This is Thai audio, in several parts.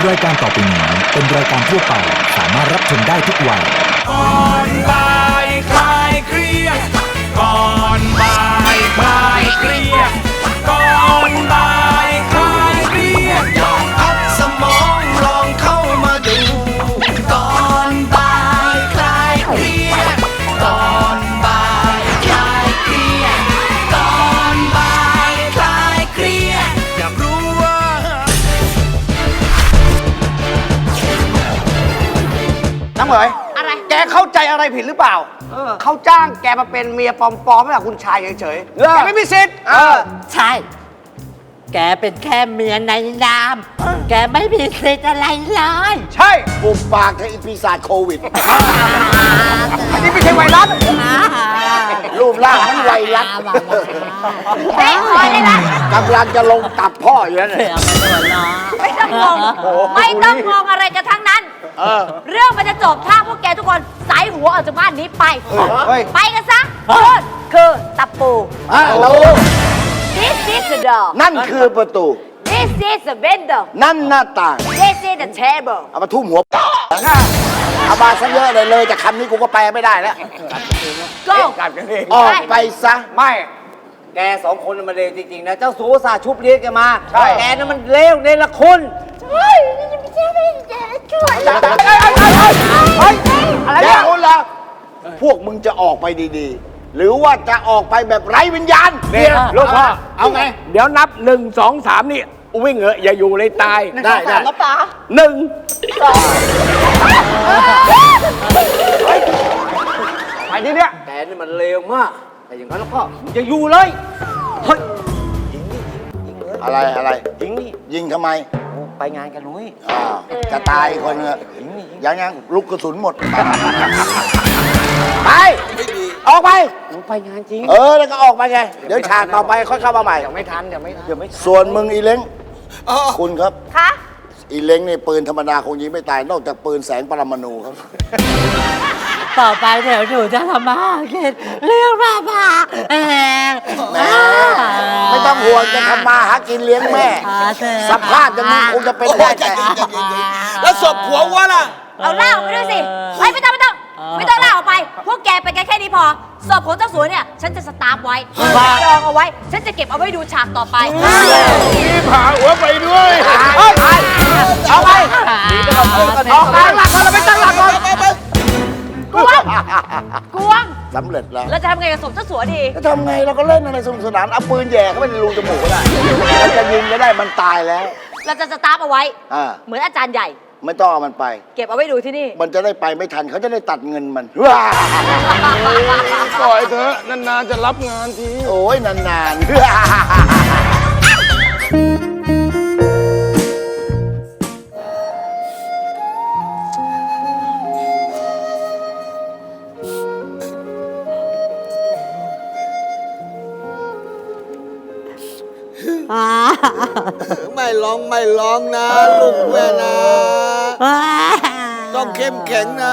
รายการต่อไปนี้เป็นรายการทั่วไปสามารถรับชมได้ทุกวัยก่อนบ่ายคลายเครียดก่อนบ่ายคลายเครียดก่อนบ่ายคลายเครียดลองพักสมองลองเข้ามาดูก่อนบ่ายคลายเครียดก่อนบ่ายคลายเครียดก่อนบ่ายคลายเครียดอยากรู้ว่าน้ำเหมยอะไรแกเข้าใจอะไรผิดหรือเปล่า เขาจ้างแกมาเป็นเมียปลอมๆให้กับคุณชายเฉยๆแกไม่มีสิทธิ์ใช่ แกเป็นแค่เมียในนาม แกไม่มีสิทธิ์อะไรเลยใช่ปุบปากกับอีปีศาจโควิดอันนี้ไม่ใช่ไวรัสรูปร่างมันไวรัสเฮ้ยพอเลยนะกำลังจะลงตับพ่ออยู่แล้วเนี่ยไม่ต้องงง ไม่ต้องงงอะไรกันทั้งนั้น เรื่องมันจะจบถ้าพวกแกทุกคนสายหัวออกจากบ้านนี้ไป ไปกันซะนู่นคือตะปูเรา This is the door นั่นคือประตู This is the window นั่นหน้าต่าง This is the table เอามาทุ่มหัวเอามาซะเยอะเลยจากคำนี้กูก็แปลไม่ได้แล้ว Go ออกไปซะไม่แกสองคนน่ะมันเลวจริงๆนะ เจ้าสัวสาชุบเลี้ยงแกมาใช่แกนั่นมันเลวเนรคุณเฮ้ยไม่ใช่ช่วยอะไรเนี่ยคุณล่ะพวกมึงจะออกไปดีๆ หรือว่าจะออกไปแบบไร้วิญญาณเนี่ยลูกพ่อ เอาไง เดี๋ยวนับ 1 2 3 นี่ วิ่งเหอะอย่าอยู่เลยตายได้ได้หนึ่งไปที่เนี้ยแกนี่มันเลวมาก แต่อย่างนั้นแล้วก็อย่าอยู่เลย เฮ้ยยิงนี่ยิงเลยอะไรยิงนี่ยิงทำไมโอ้ไปงานกันนุ้ยอ้าวจะตายอีกคนเนอะยังลูกกระสุนหมด ไป ออกไปหนูไปงานจริงแล้วก็ออกไปไง เดี๋ยวฉากต่อไปค่อยเข้ามาใหม่เดี๋ยวไม่ทันส่วนมึงอีเล้งคุณครับคะอีเล้งนี่ปืนธรรมดาคงยิงไม่ตาย นอกจากปืนแสงปรมาณูครับต่อไปเดี๋ยวหนูจะทำมาหากินเรื่องบ้าแหมแม่ไม่ต้องห่วงจะทำมาหากินเลี้ยงแม่ สภาพอย่างนี้คงจะเป็นได้แต่แล้วศพผัววะล่ะเอาเหล้าไปด้วยสิไม่ต้องเหล้าออกไป พวกแกไปกันแค่นี้พอศพของเจ้าสัวเนี่ย ฉันจะสตาร์ฟไว้จองเอาไว้ ฉันจะเก็บเอาไว้ดูฉากต่อไปผ่าหัวไปด้วยเอาไปออกตั้งหลักก่อนเราไปตั้งหลักก่อนกวงกวงสำเร็จแล้วเราจะทำไงกับศพเจ้าสัวดีจะทำไงเราก็เล่นอะไรสนุกสนาน เอาปืนแย่เข้าไปในรูจมูกก็ได้แล้วจะยิงก็ได้มันตายแล้วเราจะสตาร์ฟเอาไว้อ่าเหมือนอาจารย์ใหญ่ไม่ต้องเอามันไปเก็บเอาไว้ดูที่นี่มันจะได้ไปไม่ทันเขาจะได้ตัดเงินมันว้าปล่อยเถอะนานๆจะรับงานทีโอ้ยนานไม่ร้องนะลูกแม่นะ ต้องเข้มแข็งนะ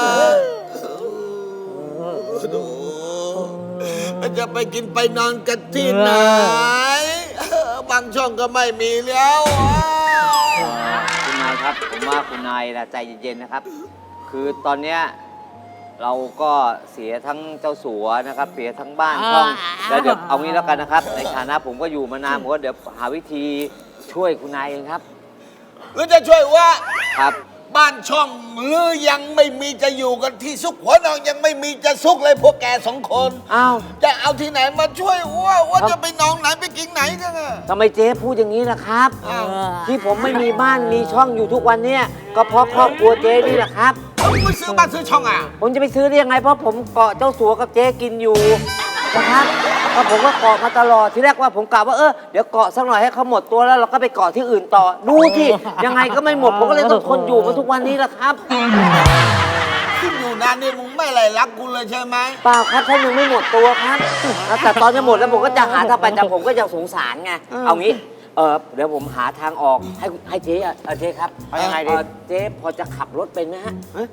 มันจะไปกินไปนอนกันที่ไหน บางช่องก็ไม่มีแล้วคุณนายครับ ผมว่าคุณนายนะใจเย็นๆนะครับ คือตอนเนี้ยเราก็เสียทั้งเจ้าสัวนะครับ เสียทั้งบ้านช่องแล้วเดี๋ยวเอางี้แล้วกันนะครับ ในฐานะผมก็อยู่มานานผมก็เดี๋ยวหาวิธีช่วยคุณนายเองครับหรือจะช่วยว่าครับบ้านช่องหรือยังไม่มีจะอยู่กันที่ซุกหัวนอนยังไม่มีจะซุกเลยพวกแกสองคนอ้าวจะเอาที่ไหนมาช่วยว่าจะไปนอนไหนไปกินไหนกันอะทำไมเจ๊พูดอย่างนี้ล่ะครับอ้าวที่ผมไม่มีบ้านมีช่องอยู่ทุกวันเนี้ยก็เพราะครอบครัวเจ๊นี่แหละครับเอาไปซื้อบ้านซื้อช่องอ่ะผมจะไปซื้อได้ยังไงเพราะผมเกาะเจ้าสัวกับเจ๊กินอยู่นะครับก็ผมก็เกาะมาตลอดที่แรกว่าผมกะว่าเดี๋ยวเกาะสักหน่อยให้เขาหมดตัวแล้วเราก็ไปเกาะที่อื่นต่อดูที่ยังไงก็ไม่หมดผมก็เลยต้องทนอยู่มาทุกวันนี้แหละครับขึ้นอยู่นานนี่มึงไม่อะไรรักกูเลยใช่ไหมเปล่าครับท่านยังไม่หมดตัวครับแต่ตอนจะหมดแล้วผมก็จะหาทางไปแต่ผมก็ยังสงสารไงเอางี้เดี๋ยวผมหาทางออกให้เจ๊เจ๊ครับเอายังไงดีเจ๊พอจะขับรถเป็นไหมฮะ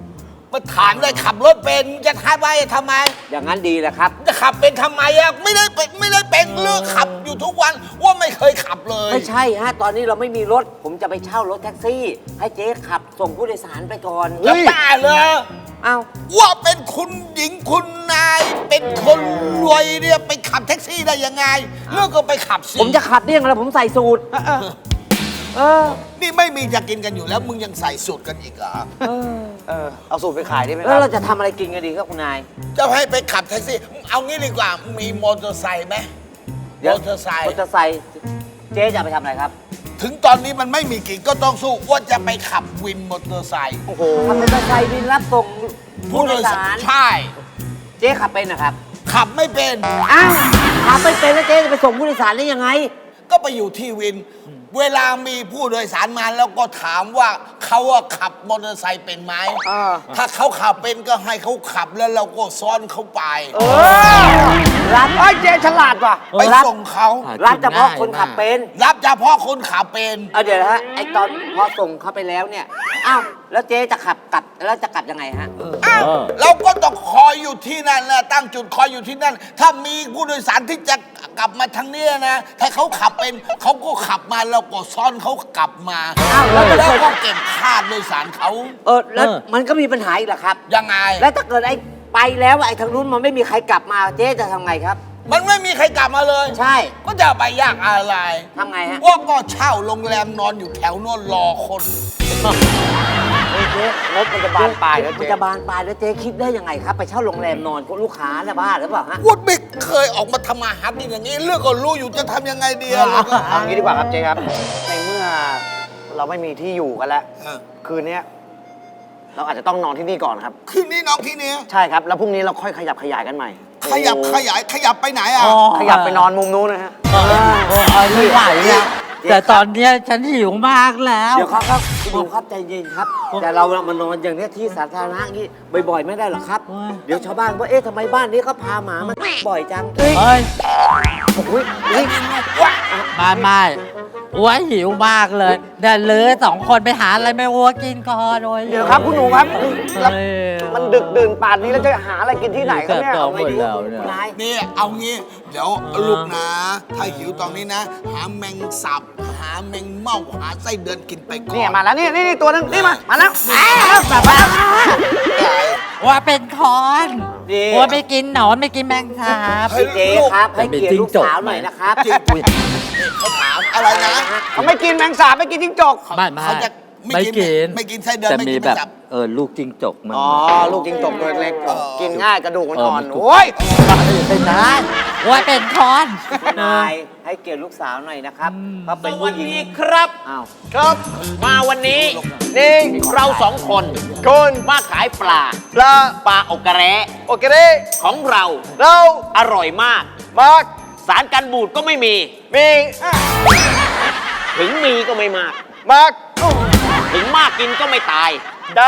มาถามได้ขับรถเป็นจะทำไมทำไมอย่างนั้นดีแหละครับจะขับเป็นทำไมอะไม่ได้เป็นเลือกขับอยู่ทุกวันว่าไม่เคยขับเลยไม่ใช่ฮะ ตอนนี้เราไม่มีรถ ผมจะไปเช่ารถแท็กซี่ ให้เจ๊ขับส่งผู้โดยสารไปก่อนจะบ้าเลยเอ้าว่าเป็นคุณหญิงคุณนายเป็นคนรวยเนี่ยไปขับแท็กซี่ได้ยังไงเลือกก็ไปขับสิผมจะขับได้ยังไงผมใส่สูตรนี่ไม่มีจะกินกันอยู่แล้วมึงยังใส่สูตรกันอีกเหรอเอาสูตรไปขายได้ไหมคแล้วรับเราจะทำอะไรกินกันดีครับคุณนายจะให้ไปขับแท็กซี่เอางี้ดีกว่ามีมอเตอร์ไซค์ไหมมอเตอร์ไซค์มอเตอร์ไซค์เจ๊จะเอาไปทำอะไรครับถึงตอนนี้มันไม่มีกินก็ต้องสู้ว่าจะไปขับวินมอเตอร์ไซค์ทำมอเตอร์ไซค์บินรับส่งผู้โดยสารใช่เจ๊ขับเป็นนะครับขับไม่เป็นอ้าวขับไม่เป็นแล้วเจ๊จะไปส่งผู้โดยสารได้ยังไงก็ไปอยู่ที่วิน เวลามีผู้โดยสารมาแล้วก็ถามว่าเขาอะขับมอเตอร์ไซค์เป็นไหมถ้าเขาขับเป็นก็ให้เขาขับแล้วเราก็ซ้อนเขาไปรับไอ้ยเจ๊ฉลาดว่ะไปส่งเขารับเฉพาะคนขับเป็นรับเฉพาะคนขับเป็นเอาเดี๋ยวนะฮะไอตอนพอส่งเขาไปแล้วเนี่ยอ้าวแล้วเจ๊จะขับกลับแล้วจะกลับยังไงฮะอ้าวเราก็ต้องคอยอยู่ที่นั่นแหละตั้งจุดคอยอยู่ที่นั่น ถ้ามีผู้โดยสารที่จะกลับมาทางเนี้ยนะ ถ้าเขาขับเป็นเขาก็ขับมาเราก็ซ้อนเขากลับมาอ้าวแล้วจะแล้วก็เก็บค่าโดยสารเขาแล้วมันก็มีปัญหาอีกเหรอครับยังไงแล้วถ้าเกิดไอ้ไปแล้วไอ้ทางนู้นมันไม่มีใครกลับมาเจ๊จะทำไงครับมันไม่มีใครกลับมาเลยใช่ก็จะไปยากอะไรทำไงฮะว่าก็เช่าโรงแรมนอนอยู่แถวโน่นรอคนเจ๊งบมันจะบานปลายแล้วมันเจ๊จะบานปลายแล้วเจ๊คิดได้ยังไงครับ ไปเช่าโรงแรมนอนกับลูกค้าเนี่ยบ้าหรือเปล่าฮะวุฒิไม่เคยออกมาทำมาหากินอย่างนี้ เรื่องก็รู้อยู่จะทำยังไงดีอะแล้วก็เอางี้ดีกว่าครับเจ๊ครับ ในเมื่อเราไม่มีที่อยู่กันแล้วเออคืนเนี้ยเราอาจจะต้องนอนที่นี่ก่อนครับคืนนี้น้องที่เนี้ยใช่ครับ แล้วพรุ่งนี้เราค่อยขยับขยายกันใหม่ขยับไปไหนอ่ะขยับไปนอนมุมนู้นนะฮะไม่ไหวอะแต่ตอนเนี้ยฉันหิวมากแล้วเดี๋ยวครับคุณดูครับใจเย็นครับ แต่เรามานอนอย่างเนี้ยที่สาธารณะอย่างนี้บ่อยๆไม่ได้หรอกครับ เดี๋ยวชาวบ้านว่าเอ๊ะทำไมบ้านนี้เขาพาหมามาบ่อยจังเฮ้ยอุ๊ยอุ๊ยไม่อ้วนหิวมากเลยเดี๋ยวเหลือ2 คนไปหาอะไรไม่อ้วกินก่อนโอ้ยเดี๋ยวครับคุณหนูครับแล้วเฮ้ยมันดึกดื่นป่านนี้แล้วจะหาอะไรกินที่ไหนครับเนี่ยเกือบเอาไงดีหมดแล้วเนี่ยนายนี่เอางี้ เดี๋ยวลูกนะ ถ้าหิวตอนนี้นะ หาแมงสับ หาแมงเม่าหาไส้เดือนกินไปก่อนเนี่ยมาแล้วนี่ตัวนึงนี่มาแล้วแบบว่าว่าเป็นคอนดีว่าไม่กินหนอนไม่กินแมงสาบพี่เจครับให้เกียรติลูกสาวหน่อยนะครับจริงเขาถามอะไรนะเขาไม่กินแมงสาบไม่กินจิ้งจกไม่เขาจะไม่กินไม่กินไส้เดือนแต่ไม่มีกินแบบสับลูกจิงจกมันอ๋อ ลูกจิ้งจกตัวเล็กเออกินง่ายกระดูกมันอ่อนมันกรุบโอ้ยเป็นนายว่าเป็นคอนนายให้เกียรติลูกสาวหน่อยนะครับเขาเป็นผู้หญิงครับอ้าวครับ มาวันนี้นี่เรา2 คนคนมาขายปลาปลาปลาอกกระแร้โอเคของเราเราอร่อยมากมากสารกันบูดก็ไม่มีมีถึงมีก็ไม่มากมากถึงมากกินก็ไม่ตายได้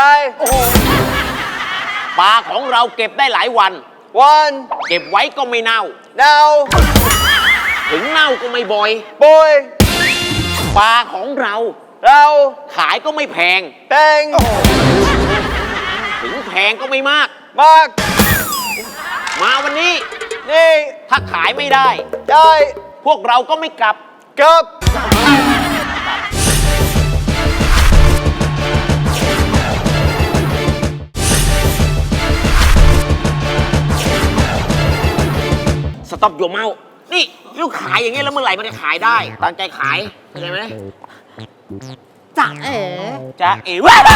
ปลาของเราเก็บได้หลายวันวันเก็บไว้ก็ไม่เน่าดาวถึงเน่าก็ไม่บ่อยบอยปลาของเราเราขายก็ไม่แพงแตงถึงแพงก็ไม่มากมากมาวันนี้นี่ถ้าขายไม่ได้ได้พวกเราก็ไม่กลับเกือบสต็อปโยเมานี่ลูกขายอย่างเงี้ยแล้วเมื่อไหร่มันจะขายได้ ตั้งใจขายเข้าใจไหมจะเอ๋จะเอ๋ว้าว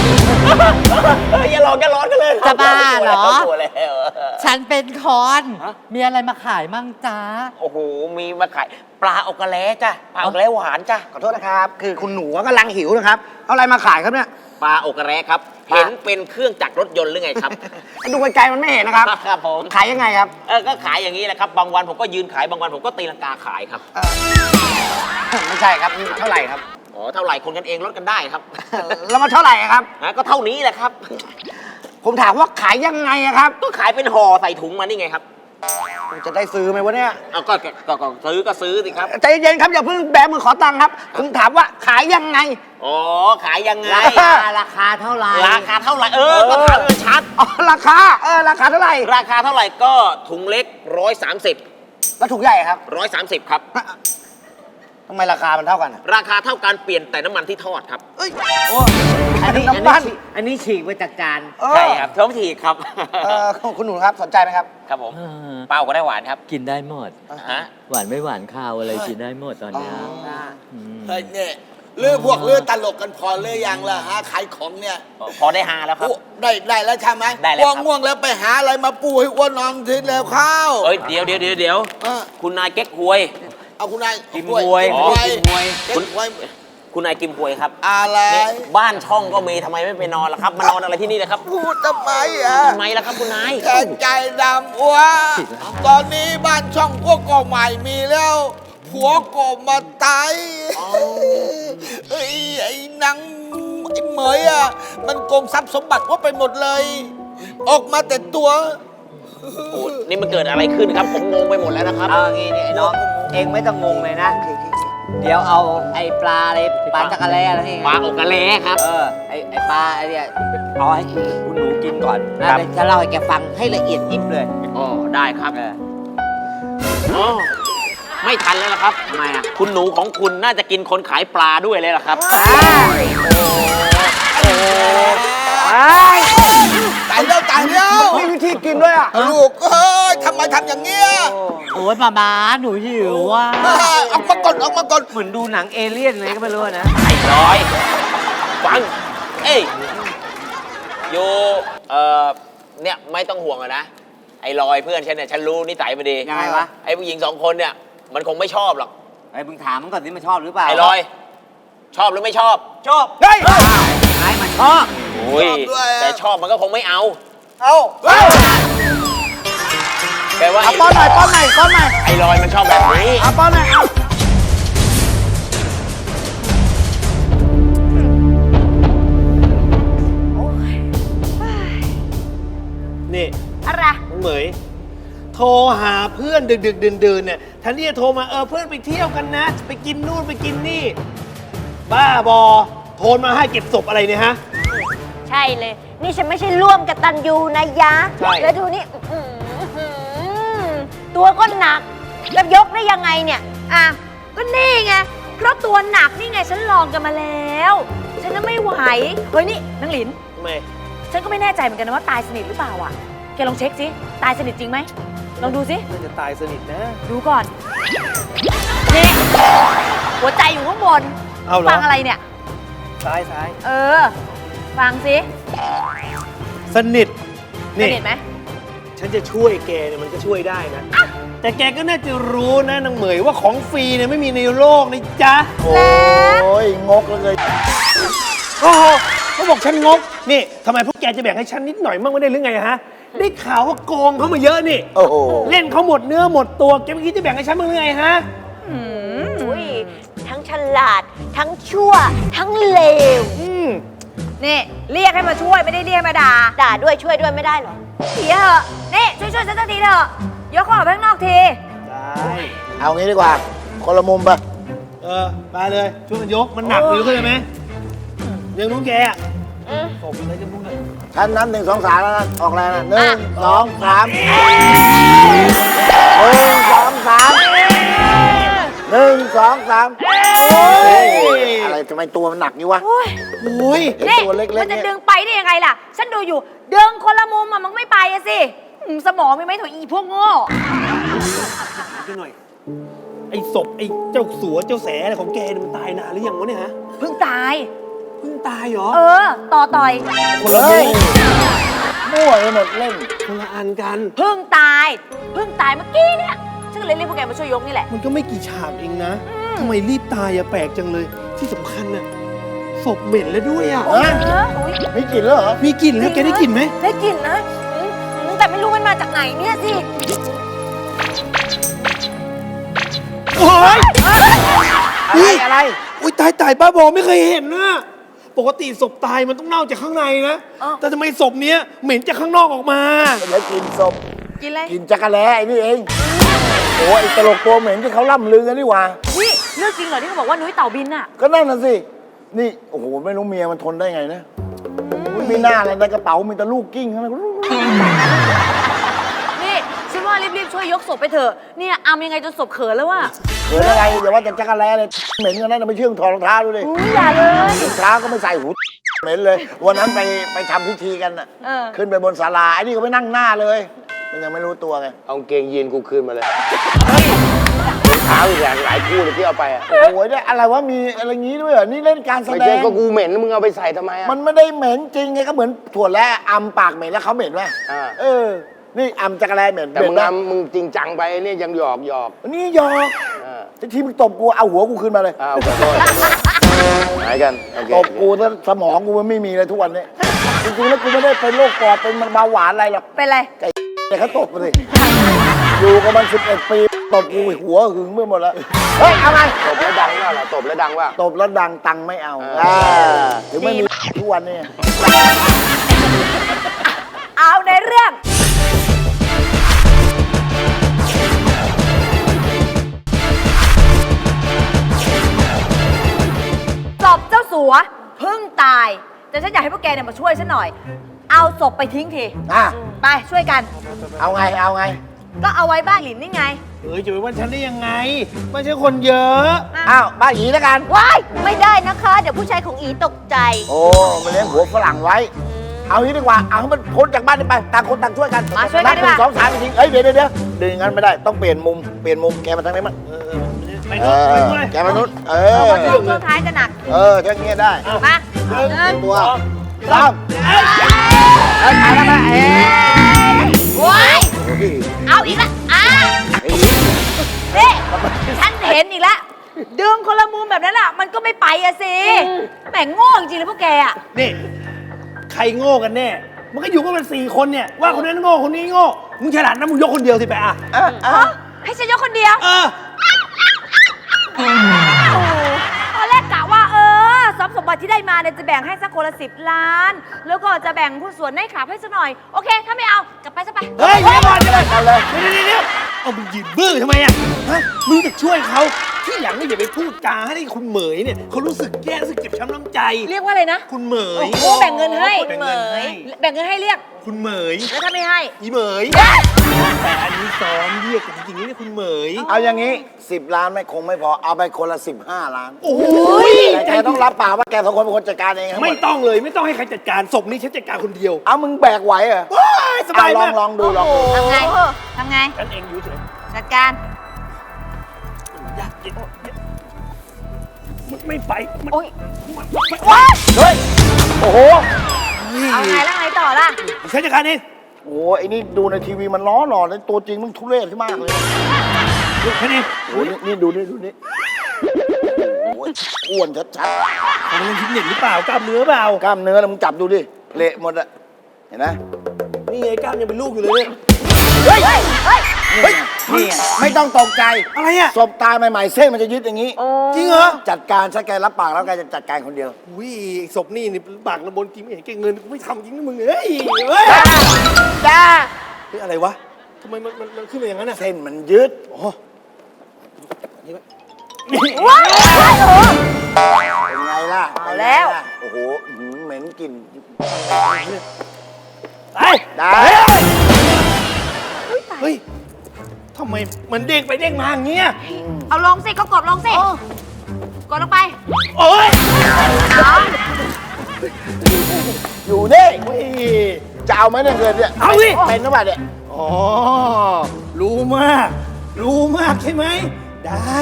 อย่าร้อนกันเลยจะบ้าเหรอกลัวแล้วฉันเป็นคอน มีอะไรมาขายมั่งจ้าโอ้โห มีมาขายปลาอกกระแลจ้ะ ปลาอกกระแลหวานจ้ะขอโทษนะครับ คือคุณหนูกำลังหิวนะครับ เอาอะไรมาขายครับเนี่ยปลาอกกระแลครับ เห็นเป็นเครื่องจักรรถยนต์หรือไงครับดูไกลๆมันไม่เห็นนะครับครับผมขายยังไงครับก็ขายอย่างนี้แหละครับ บางวันผมก็ยืนขาย บางวันผมก็ตีลังกาขายครับไม่ใช่ครับ เท่าไหร่ครับอ๋อ เท่าไหร่คนกันเองลดกันได้ครับแล้วมันเท่าไหร่ครับก็เท่านี้แหละครับผมถามว่าขายยังไงอะครับก็ขายเป็นห่อใส่ถุงมานี่ไงครับจะได้ซื้อไหมวะเนี่ยเอาก็ซื้อสิครับใจเย็นๆครับอย่าเพิ่งแบมือขอตังค์ครับผมถามว่าขายยังไงอ๋อ ขายยังไงราคาเท่าไหร่ราคาเท่าไหร่ ก็ถามมันชัดอ๋อราคาราคาเท่าไหร่ราคาเท่าไหร่ก็ถุงเล็ก 130 แล้วถุงใหญ่ครับ 130 ครับทำไมราคามันเท่ากันอะราคาเท่ากันเปลี่ยนแต่น้ำมันที่ทอดครับอันนี้น้ำปั้นอันนี้ฉีกมาจากจานใช่ครับท้องถีครับคุณหนูครับสนใจไหมครับครับผม เปล่าก็ได้หวานครับกินได้หมดฮะหวานไม่หวานข้าวอะไรกินได้หมดตอนเนี้ยมเฮ้ยเนี่ยเลือพวกเลือตลกกันพอเลือยังล่ะฮะขายของเนี่ยพอได้ฮาแล้วครับโอ้ได้แล้วใช่ไหมได้แล้วครับง่วงๆแล้วไปหาอะไรมาปูให้อ้วนนอนทีแล้วข้าวเอ้ยเดี๋ยวเออคุณนายเก๊กฮวยเอาคุณนายกิมหวยกิมหวยกิมหวยเก๊กหวยคุณนายกิมฮวยครับอะไรเนี่ยบ้านช่องก็มีทำไมไม่ไปนอนล่ะครับ มานอนอะไรที่นี่นะครับพูดทำไมอ่ะทำไมล่ะครับคุณนายแกใจดำอ้วตอนนี้บ้านช่องพวกก็ใหม่มีแล้ว ผัวก็มาตายเอ้ยไอ้หนังไอ้เหมยอ่ะมันโกงทรัพย์สมบัติว่าไปหมดเลย ออกมาแต่ตัวโอ้นี่มันเกิดอะไรขึ้นครับ ผมงงไปหมดแล้วนะครับเอางี้นี่ไอ้น้อง เองไม่ต้องงงเลยนะ เดี๋ยวเอาไอ้ปลาอะไรปลาจักระแลอะไรนี่ไงปลาอกกะเลครับไอ้ปลาไอ้เนี่ยเอาให้คุณหนูกินก่อนนะครับ เดี๋ยวจะเล่าให้แกฟังให้ละเอียดยิบเลยอ๋อ ได้ครับเอออ๋อไม่ทันแล้วล่ะครับทำไมอ่ะคุณหนูของคุณน่าจะกินคนขายปลาด้วยเลยล่ะครับตายแล้วมีวิธีกินด้วยอ่ะลูกเอ้ยทำไมทำอย่างเงี้ยโอ้ยมาหนูหิวว่ะออกมาก่อนออกมาก่อนเหมือนดูหนังเอเลี่ยนเลยก็ไม่รู้นะไอ้ร้อย ฟัง เอ้ยโยเนี่ยไม่ต้องห่วงอะนะ ไอ้ลอยเพื่อนฉันเนี่ยฉันรู้นิสัยมันดียังไงวะไอ้ผู้หญิง2 คนเนี่ย มันคงไม่ชอบหรอกไอ้มึงถามมันก่อนสิมันชอบหรือเปล่าไอ้ลอย ชอบหรือไม่ชอบชอบเฮ้ยไอ้มันชอบโอ้ยชอบด้วยอะแต่ชอบมันก็คงไม่เอาเอาแปลว่าป้อนหน่อยป้อนหน่อยป้อนหน่อยไอ้ลอยมันชอบแบบนี้ป้อนหน่อยเอานี่อะไรน้องเหมย โทรหาเพื่อนดึกๆดื่นๆเนี่ยแทนที่จะโทรมาเพื่อนไปเที่ยวกันนะ ไปกินนู่นไปกินนี่ บ้าบอ โทรมาให้เก็บศพอะไรเนี่ยฮะใช่เลย นี่ฉันไม่ใช่ร่วมกับตันยูนะยะใช่แล้วดูนี่ตัวก็หนักจะยกได้ยังไงเนี่ย อ่ะ ก็นี่ไง เพราะตัวหนักนี่ไงฉันลองกันมาแล้ว ฉันน่ะไม่ไหว เฮ้ยนี่นางหลินทำไมฉันก็ไม่แน่ใจเหมือนกันนะว่าตายสนิทหรือเปล่าอ่ะ แกลองเช็คสิ ตายสนิทจริงไหม ลองดูสิน่าจะตายสนิทนะดูก่อน นี่ หัวใจอยู่ข้างบนเอาเหรอฟังอะไรเนี่ยซ้ายเออ ฟังสิสนิทสนี่นิทไหมฉันจะช่วยแกเนี่ยมันก็ช่วยได้นะ แต่แกก็น่าจะรู้นะนางเหมยว่าของฟรีเนี่ยไม่มีในโลกนะจ๊ะโอ้ยงกแล้วเลยโอ้โหเขาบอกฉันงก นี่ทำไมพวกแกจะแบ่งให้ฉันนิดหน่อยมั่งไม่ได้หรือไงฮะ ได้ข่าวว่าโกงเขามาเยอะนี่โอ้โหเล่นเขาหมดเนื้อหมดตัว แกไม่คิดจะแบ่งให้ฉันบ้างหรือไงฮะอุ้ยทั้งฉลาด ทั้งชั่ว ทั้งเลว นี่เรียกให้มาช่วยไม่ได้เรียกมาด่า ด่าด้วยช่วยด้วยไม่ได้หรอเสียเหอะนี่ช่วยฉันสักทีเถอะยกของออกไปข้างนอกทีได้เอางี้ดีกว่า คนละมุมไปไปเลย ช่วยกันยก มันหนักอยู่เข้าใจไหมเรื่องน้องแกอ่ะผมเลยจะพูดเลยท่านนับ1 2 3แล้วนะออกแรงนะ1 2 3 1 2 3 1 2 3 โอ้ยอะไรทำไมตัวมันหนักนี่วะโอ้ยไอ้นี่ตัวเล็กๆมันจะเนี่ยดึงไปได้ยังไงล่ะ ฉันดูอยู่ดึงคนละมุมอะมันก็ไม่ไปอะสิสมองมีไหมโถอีพวกโง่ดูหน่อย ไอ้ศพไอ้เจ้าสัวเจ้าแสอะไรของแกเนี่ยมันตายนานหรือยังวะเนี่ยฮะเพิ่งตายเพิ่งตายเหรอต่อยคนละเฮ้ยมุมมั่วไปหมดเล่นคนละอันกันเพิ่งตายเมื่อกี้เนี่ยฉันก็เลยเรียกพวกแกมาช่วยยกนี่แหละมันก็ไม่กี่ฉากเองนะทำไมรีบตายอะแปลกจังเลย ที่สำคัญน่ะศพเหม็นแล้วด้วยอะฮะอุ๊ยมีกลิ่นแล้วเหรอมีกลิ่นแล้วแกได้กลิ่นไหมได้กลิ่นนะแต่ไม่รู้มันมาจากไหนเนี่ยสิโอ้ยอะไรอุ้ยตายบ้าบอไม่เคยเห็นนะปกติศพตายมันต้องเน่าจากข้างในนะ แต่ทำไมศพเนี้ยเหม็นจากข้างนอกออกมาเดี๋ยวกินศพกินอะไรกินจักรแล้ไอ้นี่เองโอ้ไอ้ตลกตัวเหม็นที่เขาล่ำลือกันนี่หว่านี่เรื่องจริงเหรอที่เขาบอกว่านุ้ยเต่าบินอะก็นั่นน่ะสินี่โอ้โหไม่รู้เมียมันทนได้ไงนะมีหน้าอะไรในกระเป๋ามีแต่ลูกกิ้งทั้งนั้นนี่ฉันว่ารีบๆช่วยยกศพไปเถอะเนี่ยอามยังไงจนศพเขินแล้วว่ะเกิดอะไรอย่าว่าแต่จักรแล้เลยเหม็นกันนั่นนะไม่เชื่องถอดรองเท้าดูดิอย่าเลยรองเท้าก็ไม่ใส่หูเหม็นเลย วันนั้นไปทำพิธีกันน่ะเออขึ้นไปบนศาลาไอ้นี่ก็ไปนั่งหน้าเลย มันยังไม่รู้ตัวไงเอากางเกงยีนกูคืนมาเลยเท้าอีกหลายคู่เลยที่เอาไปอ่ะโอ้โหได้อะไรวะมีอะไรงี้ด้วยเหรอนี่เล่นการแสไม่ดใช่งก็กูเหม็นมึงเอาไปใส่ทำไมอ่ะมันไม่ได้เหม็นจริงไงก็เหมือนถั่วและอำปากเหม็นแล้วเขาเหม็นไหมอ่าเออ นี่อำจักรแลเหม็นแต่มึงเหม็นมึงจริงจังไปเนี่ยยังหยอกนี่หยอกอ่าที่มึงตบกูเอาหัวกูขึ้นมาเลยอ้าวขอโทษหายกันโอเคตบกูแล้วสมองกูมันไม่มีเลยทุกวันนี้จริงๆแล้วกูไม่ได้เป็นโรคปอดเป็นเบาหวานอะไรหรอกเป็นไรแต่เขาตบมาสิอยู่กับมัน11 ปีตบกูหัวหึงไปหมดแล้วเฮ้ยเอาไงตบแล้วดังว่าล่ะตบแล้วดังว่าตบแล้วดังตังค์ไม่เอาถึงไม่มีทุกวันนี้เอาในเรื่องศพเจ้าสัวเพิ่งตายแต่ฉันอยากให้พวกแกเนี่ยมาช่วยฉันหน่อย เอาศพไปทิ้งทีอ่ะไปช่วยกันเอาไงก็เอาไว้บ้านหลินนี่ไงจะไปว่าฉันได้ยังไงไม่ใช่คนเยอะอ้าวบ้านหยีแล้วกันว้ายไม่ได้นะคะ เดี๋ยวผู้ชายของอีตกใจโอ้มาเลี้ยงหัวฝรั่งไว้ เอางี้ดีกว่า เอาให้มันพ้นจากบ้านนี้ไป ต่างคนต่างช่วยกันมาช่วยกันดีกว่า 1 2 3จริงๆเอ้ยเดี๋ยวดึงอย่างนั้นไม่ได้ ต้องเปลี่ยนมุม แกมาทางนี้มั้งไปนู้นไปนู้นเลยแกมานู้นช่วงท้ายจะหนักถ้างี้ได้มาตัวสามไปแล้วนะว้ายเอาอีกแล้วนี่ฉันเห็นอีกแล้ว ดึงคนละมุมแบบนั้นอ่ะ มันก็ไม่ไปอะสิแหม่งโง่จริงๆเลยพวกแกอ่ะนี่ใครโง่กันแน่ มันก็อยู่กันเป็น4 คนเนี่ยว่าคนนั้นโง่คนนี้โง่มึงฉลาดนะมึงยกคนเดียวสิไปอ่ะให้ฉันยกคนเดียว ตอนแรกกะว่าทรัพย์สมบัติที่ได้มาเนี่ยจะแบ่งให้สักคนละ10 ล้าน แล้วก็จะแบ่งหุ้นส่วนให้ขาบให้สักหน่อย โอเค ถ้าไม่เอา กลับไปซะไปเฮ้ยเดี๋ยวก่อนเดี๋ยวเอามึงยืนบื้อทำไมอ่ะฮะมึงจะช่วยเขาที่หลังนี่อย่าไปพูดจาให้คุณเหมยเนี่ยเขารู้สึกแย่รู้สึกเจ็บช้ำน้ำใจเรียกว่าอะไรนะคุณเหมยโอ้แบ่งเงินให้แบ่งเงินให้แบ่งเงินให้เรียกคุณเหมยแล้วถ้าไม่ให้อีเหมยแต่อันนี้ซ้อมเรียกกันจริงๆนี่คุณเหมยเอาอย่างนี้10 ล้านคงไม่พอ เอาไปคนละ15 ล้านโอ้ยแต่แกต้องรับปากว่าแก2 คนเป็นคนจัดการเองทั้งหมไม่ดต้องเลยไม่ต้องให้ใครจัดการศพนี้ฉันจัดการคนเดียวเอามึงแบกไหวเหรอสบายมากลองดูทำไง ทำไงฉันเองอยู่เฉยจัดการไม่ไปโอ้ยเฮ้ย โอ้โหเอาไงแล้วไงต่อล่ะฉันจัดการเองโอ้ไอ้นี่ดูในทีวีมันล้อหล่อเลยตัวจริงมึงทุเรศขึ้นมากเลยฉันเองโอ้นี่ดูนี่โอ้ยอ้วนชัดทำเล่นฟิตเนสหรือเปล่ากล้ามเนื้อเปล่าๆกล้ามเนื้อแล้วมึงจับดูดิเละหมดอะเห็นไหมนี่ไงกล้ามยังเป็นลูกอยู่เลยเนี่ยเฮ้ยนี่ไม่ต้องตกใจอะไรอ่ะศพตายใหม่ๆเส้นมันจะยึดอย่างนี้จริงเหรอจัดการซะแกรับปากแล้วแกจะจัดการคนเดียวอุ้ยศพนี่ปากระบนจริงไม่เห็นแกเงินกูไม่ทำจริงนะมึงเฮ้ยเฮ้ยจ้าเฮ้ยอะไรวะทำไมมันขึ้นมาอย่างนั้นอ่ะเส้นมันยึดโอ้ว้ายเป็นไงล่ะเอาแล้วโอ้โหเหม็นกลิ่นไอ้ได้เฮ้ยทำไมมันเด้งไปเด้งมาอย่างเงี้ยเอาลงสิ ก็กดลงสิ กดลงไปโอ้ยเอาอยู่นี่เฮ้ยจะเอาไหมเนี่ยเงินเนี่ยเอาสิเป็นหรือเปล่าเนี่ยอ๋อรู้มากใช่ไหมได้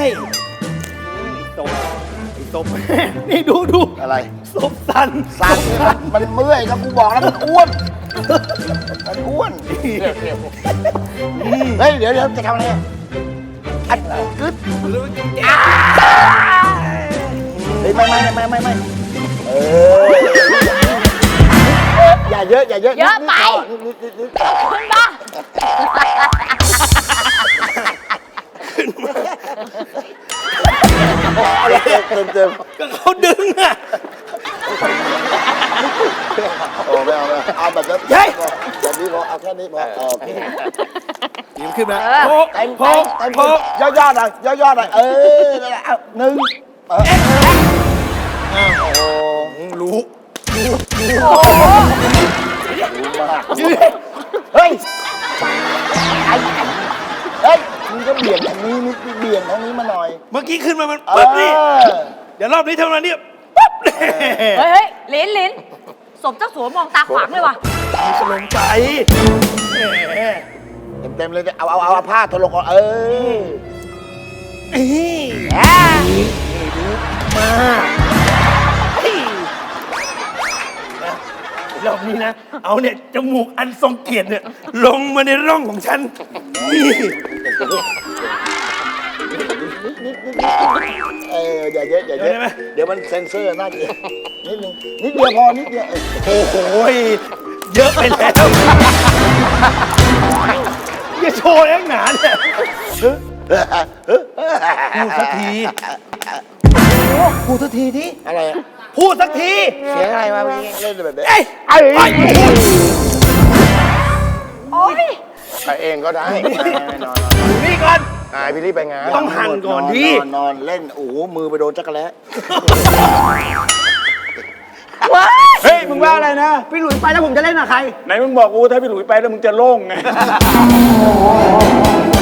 ไอ้ตบ นี่ดูอะไรศพสันสั่นมันเมื่อยครับกูบอกแล้วมันอ้วน มันอ้วน เฮ้ยเดี๋ยวจะทำอะไรอ่ะอัดกึดเฮ้ยไม่เอออย่าเยอะเยอะไปนิดขึ้นมาอะไรเต็มก็เขาดึงอ่ะโอ้ไม่เอาไม่เอาแบบนั้นเฮ้ยแบบนี้พอเอาแค่นี้พอโอเคยิ้มขึ้นมาเต็มย่อยๆหน่อยย่อๆหน่อยนั่นแหละเอาหนึ่งโอ้รู้มากเฮ้ยเฮ้ยมึงก็เบี่ยงทางนี้นิดเบี่ยงทางนี้มาหน่อยเมื่อกี้ขึ้นมามันปึ๊บนี่ เดี๋ยวรอบนี้เท่านั้นเนี่ยปั๊บเลยเฮ้ยลิ้นสมเจ้าสัวมองตาขวางเลยว่ะกำลังใจเต็มเลยเอาผ้าทะลงก่อนรอบนี้นะ เอาเนี่ยจมูกอันทรงเกียรติเนี่ยลงมาในร่องของฉัน นี่อย่าเยอะอย่าเยอะเดี๋ยวมันเซ็นเซอร์น่าเกลียดนิดนึงนิดเดียวพอนิดเดียวโอ้โหเยอะไปแล้วอย่าโชว์เองหนาเนี่ยพูดสักทีพูดสักทีที่อะไรพูดสักทีเสียงอะไรมาเมื่อกี้เล่นแบบนี้เอ้ยโอ๊ยไปเองก็ได้นอนนี่ก่อนพี่รีบไปงานต้องหั่นก่อนดินอนเล่นโอ้โหมือไปโดนจักรแล้เฮ้ย มึงว่าอะไรนะ พี่หลุยไปแล้วผมจะเล่นกับใครไหนมึงบอกกูถ้าพี่หลุยไปแล้วมึงจะโล่งไง